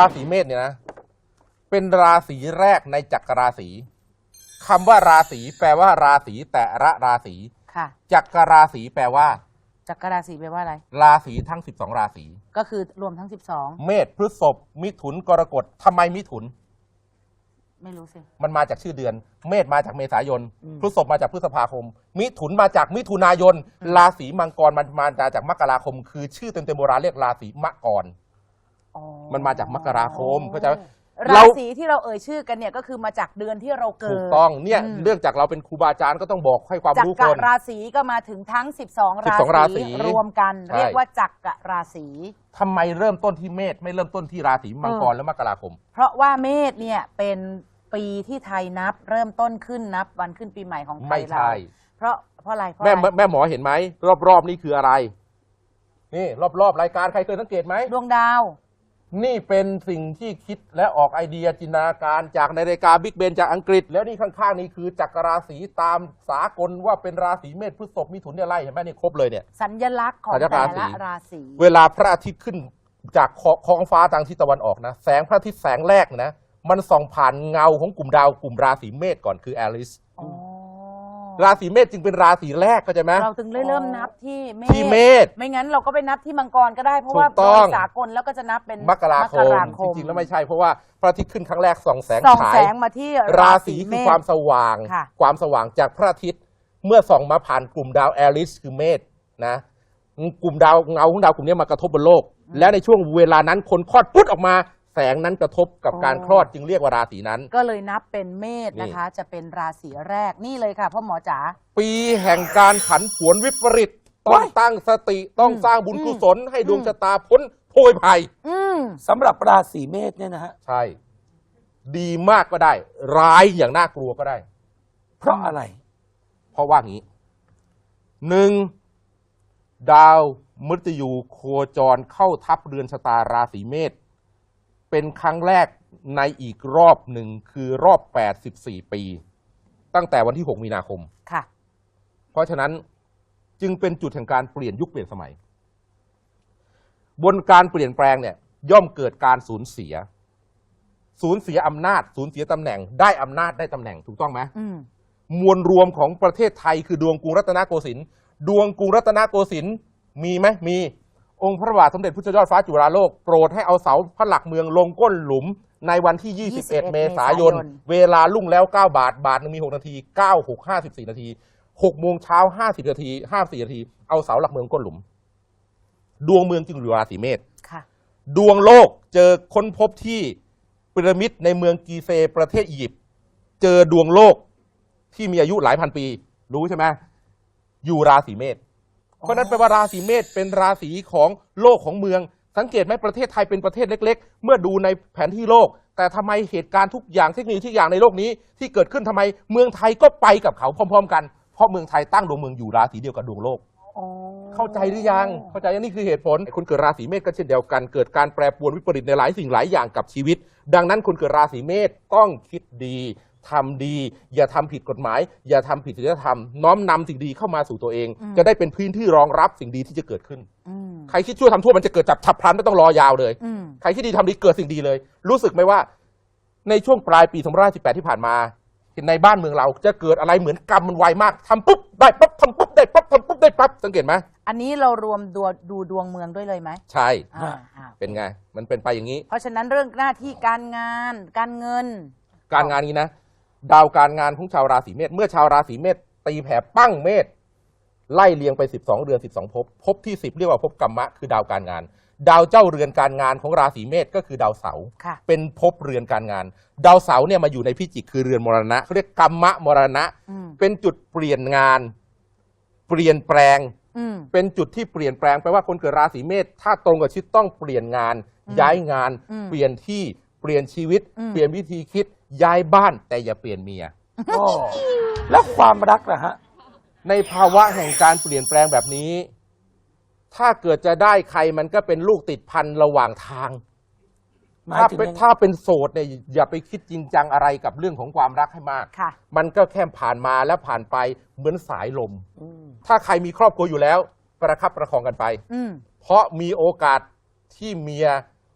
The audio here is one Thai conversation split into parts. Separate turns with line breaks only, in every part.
ราศีเมษเนี่ยนะเป็นราศีแรกในจักรราศีคำว่าราศีแปลว่าราศีแต่ละราศี
ค่ะ
จักรราศีแปลว่า
จักรราศีแปลว่าอะไร
ราศีทั้ง12ราศี
ก็คือรวมทั้ง12
เมษพฤษภมิถุนกรกฎทำไมมิถุน
ไม่รู้สิ
มันมาจากชื่อเดือนเมษมาจากเมษายนพฤษภมาจากพฤษภาคมมิถุนมาจากมิถุนายนราศีมังกรมันมาจากมกราคมคือชื่อเต็มๆโบราณเรียกราศีมกรมันมาจากมกราคมเข้าใจ
ราศีที่เราเอ่ยชื่อกันเนี่ยก็คือมาจากเดือนที่เราเกิด
ถูกต้องเนี่ยเรื่องจากเราเป็นครูบาอาจารย์ก็ต้องบอกให้ความรู้คน
จักรราศีก็มาถึงทั้ง12ราศีรวมกันเรียกว่าจักรราศี
ทำไมเริ่มต้นที่เมษไม่เริ่มต้นที่ราศีมังกรและมกราคม
เพราะว่าเมษเนี่ยเป็นปีที่ไทยนับเริ่มต้นขึ้นนับวันขึ้นปีใหม่ของไทยเราเพราะอะไร
แม่หมอเห็นไหมรอบๆนี่คืออะไรนี่รอบๆรายการใครเคยสังเกตไหม
ดวงดาว
นี่เป็นสิ่งที่คิดและออกไอเดียจินตนาการจากในรายการบิ๊กเบนจากอังกฤษแล้วนี่ข้างๆนี่คือจักรราศีตามสากลว่าเป็นราศีเมษพฤษภมิถุนเนี่ยไล่เห็นไหมนี่ครบเลยเนี่ย
สัญลักษณ์ของแต่ละราศี
เวลาพระอาทิตย์ขึ้นจากท้องฟ้าทางทิศตะวันออกนะแสงพระอาทิตย์แสงแรกนะมันส่องผ่านเงาของกลุ่มดาวกลุ่มราศีเมษก่อนคือแอลิสราศีเมษจึงเป็นราศีแรกเข้าใจไหม
เราถึงเริ่มนับที่
เมษ
ไม่งั้นเราก็ไปนับที่มังกรก็ได้เพราะว่าโดยสากลแล้วก็จะนับเป็น
มกราคมจริงๆแล้วไม่ใช่เพราะว่าพระอาทิตย์ขึ้นครั้งแรกส่องแสง
มาที่
ราศีคือความสว่างจากพระอาทิตย์เมื่อส่องมาผ่านกลุ่มดาวแอลิสคือเมษนะกลุ่มดาวเงาของดาวกลุ่มนี้มากระทบบนโลกและในช่วงเวลานั้นคนคลอดปุ๊บออกมาแสงนั้นกระทบกับการคลอดจึงเรียกว่าราศีนั้น
ก็เลยนับเป็นเมษนะคะจะเป็นราศีแรกนี่เลยค่ะพ่อหมอจ๋า
ปีแห่งการผันผวนวิปริตต้องตั้งสติต้องสร้างบุญกุศลให้ดวงชะตาพ้นโพยภัย
สำหรับราศีเมษเนี่ยนะฮะ
ใช่ดีมากก็ได้ร้ายอย่างน่ากลัวก็ได้
เพราะอะไร
เพราะว่างี้หนึ่งดาวมฤตยูโคจรเข้าทับเรือนชะตาราศีเมษเป็นครั้งแรกในอีกรอบหนึ่งคือรอบ84ปีตั้งแต่วันที่6มีนาคม
ค่ะ
เพราะฉะนั้นจึงเป็นจุดแห่งการเปลี่ยนยุคเปลี่ยนสมัยบนการเปลี่ยนแปลงเนี่ยย่อมเกิดการสูญเสียอำนาจสูญเสียตำแหน่งได้อำนาจได้ตำแหน่งถูกต้องไหมมวลรวมของประเทศไทยคือดวงกรุงรัตนโกสินทร์ดวงกรุงรัตนโกสินทร์มีไหมมีองค์พระบาทสมเด็จพระเจ้ายอดฟ้าจุฬาโลกโปรดให้เอาเสาพระหลักเมืองลงก้นหลุมในวันที่21เมษายนเวลารุ่งแล้ว9 บาทบาทนึงมี6นาที9 6 54นาที6โมงเช้า50นาที54นาทีเอาเสาหลักเมืองก้นหลุมดวงเมืองจึงอยู่ราศีเมษดวงโลกเจอค้นพบที่พีระมิดในเมืองกีเซประเทศอียิปต์เจอดวงโลกที่มีอายุหลายพันปีรู้ใช่ไหมอยู่ราศีเมษเพราะนั้นแปลว่าราศีเมษเป็นราศีของโลกของเมืองสังเกตไหมประเทศไทยเป็นประเทศเล็กๆเมื่อดูในแผนที่โลกแต่ทำไมเหตุการณ์ทุกอย่างเทคโนโลยีทุกอย่างในโลกนี้ที่เกิดขึ้นทำไมเมืองไทยก็ไปกับเขาพร้อมๆกันเพราะเมืองไทยตั้งดวงเมืองอยู่ราศีเดียวกับดวงโลกเข้าใจหรือยังเข้าใจนี่คือเหตุผลคนเกิดราศีเมษก็เช่นเดียวกันเกิดการแปรปรวนวิปริตในหลายสิ่งหลายอย่างกับชีวิตดังนั้นคนเกิดราศีเมษต้องคิดดีทำดีอย่าทำผิดกฎหมายอย่าทำผิดศีลธรรมน้อมนำสิ่งดีเข้ามาสู่ตัวเองจะได้เป็นพื้นที่รองรับสิ่งดีที่จะเกิดขึ้นใครคิดชั่วทำชั่วมันจะเกิดจับฉับพลันไม่ต้องรอยาวเลยใครคิดดีทำดีเกิดสิ่งดีเลยรู้สึกไหมว่าในช่วงปลายปี2518ที่ผ่านมาในบ้านเมืองเราจะเกิดอะไรเหมือนกรรมมันไวมากทำปุ๊บได้ปั๊บทำปุ๊บได้ปั๊บทำปุ๊บได้ปั๊บสังเกตไหม
อันนี้เรารวมดูดวงเมืองด้วยเลยไหม
ใช่เป็นไงมันเป็นไปอย่างนี้
เพราะฉะนั้นเรื่องหน้าที่การงานการเงิน
การงานนี้นะดาวการงานของชาวราศีเมษเมื่อชาวราศีเมษตีแผ่ปั้งเมษไล่เรียงไป12เดือน12ภพที่10เรียกว่าภพกัมมะคือดาวการงานดาวเจ้าเรือนการงานของราศีเมษก็คือดาวเสาร์เป็นภพเรือนการงานดาวเสาร์เนี่ยมาอยู่ในพิจิกคือเรือนมรณะเขาเรียกกัมมะมรณะเป็นจุดเปลี่ยนงานเปลี่ยนแปลงเป็นจุดที่เปลี่ยนแปลงแปลว่าคนเกิดราศีเมษถ้าตรงกับชีวิตต้องเปลี่ยนงานย้ายงานเปลี่ยนที่เปลี่ยนชีวิตเปลี่ยนวิธีคิดย้ายบ้านแต่อย่าเปลี่ยนเมีย
แล้วความรักล่ะฮะ
ในภาวะแห่งการเปลี่ยนแปลงแบบนี้ถ้าเกิดจะได้ใครมันก็เป็นลูกติดพันระหว่างทางถ้าเป็นโสดเนี่ยอย่าไปคิดจริงจังอะไรกับเรื่องของความรักให้มากมันก็แค่ผ่านมาแล้วผ่านไปเหมือนสายลมถ้าใครมีครอบครัวอยู่แล้วประคับประคองกันไปเพราะมีโอกาสที่เมีย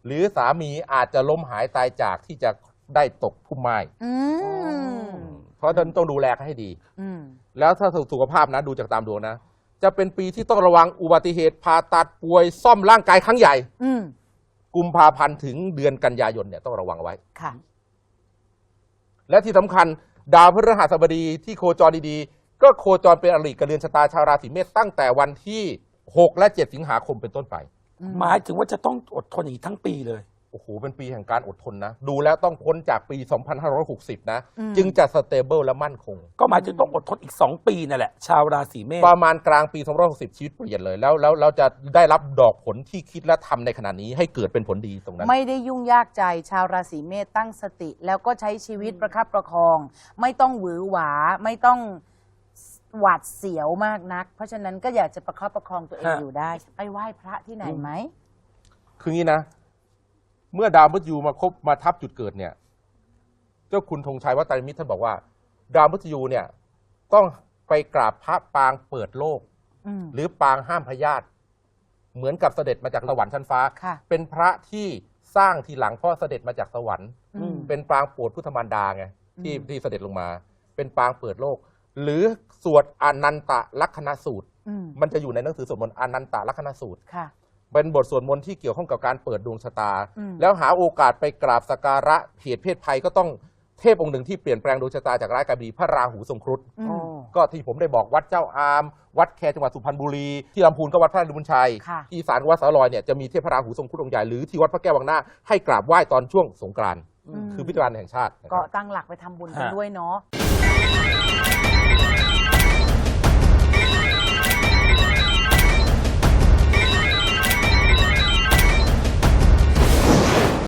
หรือสามีอาจจะล้มหายตายจากที่จะได้ตกพุ่มไม้
อืม
เพราะฉะนั้นต้องดูแลให้ดี
อืม
แล้วถ้าสุขภาพนะดูจากตามดวงนะ จะเป็นปีที่ต้องระวังอุบัติเหตุผ่าตัดป่วยซ่อมร่างกายครั้งใหญ่
อืม
กุมภาพันธ์ถึงเดือนกันยายนเนี่ยต้องระวังไว้
ค่ะ
และที่สำคัญดาวพฤหัสบดีที่โคจรดีๆก็โคจรเป็นอริกับเรือนชะตาชาวราศีเมษตั้งแต่วันที่6และ7สิงหาคมเป็นต้นไป
หมายถึงว่าจะต้องอดทนอย่างนี้ทั้งปีเลย
โอ้โหเป็นปีแห่งการอดทนนะดูแล้วต้องพ้นจากปี 2560 นะ
อืม
จึงจะสเตเบิลและมั่นคง
ก็หมายถึงต้องอดทนอีก 2 ปีนั่นแหละ ชาวราศีเมษ
ประมาณกลางปี 2560 ชีวิตเปลี่ยนเลยแล้วเราจะได้รับดอกผลที่คิดและทำในขณะนี้ให้เกิดเป็นผลดีตรงนั้น
ไม่ได้ยุ่งยากใจชาวราศีเมษตั้งสติ แล้วก็ใช้ชีวิตประคับประคอง ไม่ต้องหวือหวาไม่ต้องหวาดเสียวมากนัก เพราะฉะนั้นก็อยากจะประคับประคองตัวเองอยู่ได้ ไปไหว้พระที่ไหนไหม
คืองี้นะ เมื่อดาวมฤตยูมาทับจุดเกิดเนี่ย เจ้าคุณธงชัยวัตรมิตรท่านบอกว่า ดาวมฤตยูเนี่ยต้องไปกราบพระปางเปิดโลก
อืม
หรือปางห้ามพยาธิเหมือนกับเสด็จมาจากสวรรค์ชั้นฟ้า
ค่ะ
เป็นพระที่สร้างทีหลังพ่อเสด็จมาจากสวรรค์
อืม
เป็นปางโปรดพุทธมารดาไงที่
อืม
ที่เสด็จลงมา เป็นปางเปิดโลก หรือสวดอนันตลักษณสูตร
อืม
มันจะอยู่ในหนังสือสวดมนต์อนันตลักษณสูตร
ค่ะ
เป็นบทสวดมนต์ที่เกี่ยวข้องกับการเปิดดวงชะตา
อืม
แล้วหาโอกาสไปกราบสักการะเหตุเพศภัยก็ต้องเทพองค์หนึ่งที่เปลี่ยนแปลงดวงชะตาจากร้ายกลายดีพระราหูทรงครุฑ
อืม
ก็ที่ผมได้บอกวัดเจ้าอาม วัดแคจังหวัดสุพรรณบุรี ที่ลำพูนก็วัดพระลุนชัย
ค่ะ
ที่อีสานก็วัดสาลอยเนี่ยจะมีเทพพระราหูทรงครุฑองค์ใหญ่หรือที่วัดพระแก้ววังหน้าให้กราบไหว้ตอนช่วงสงกรานต์
อืม
คือพิธีการแห่งชาตินะค
ก็
รับ
ตั้งหลักไปทำบุญกัน
ฮะ
ด้วยเนาะ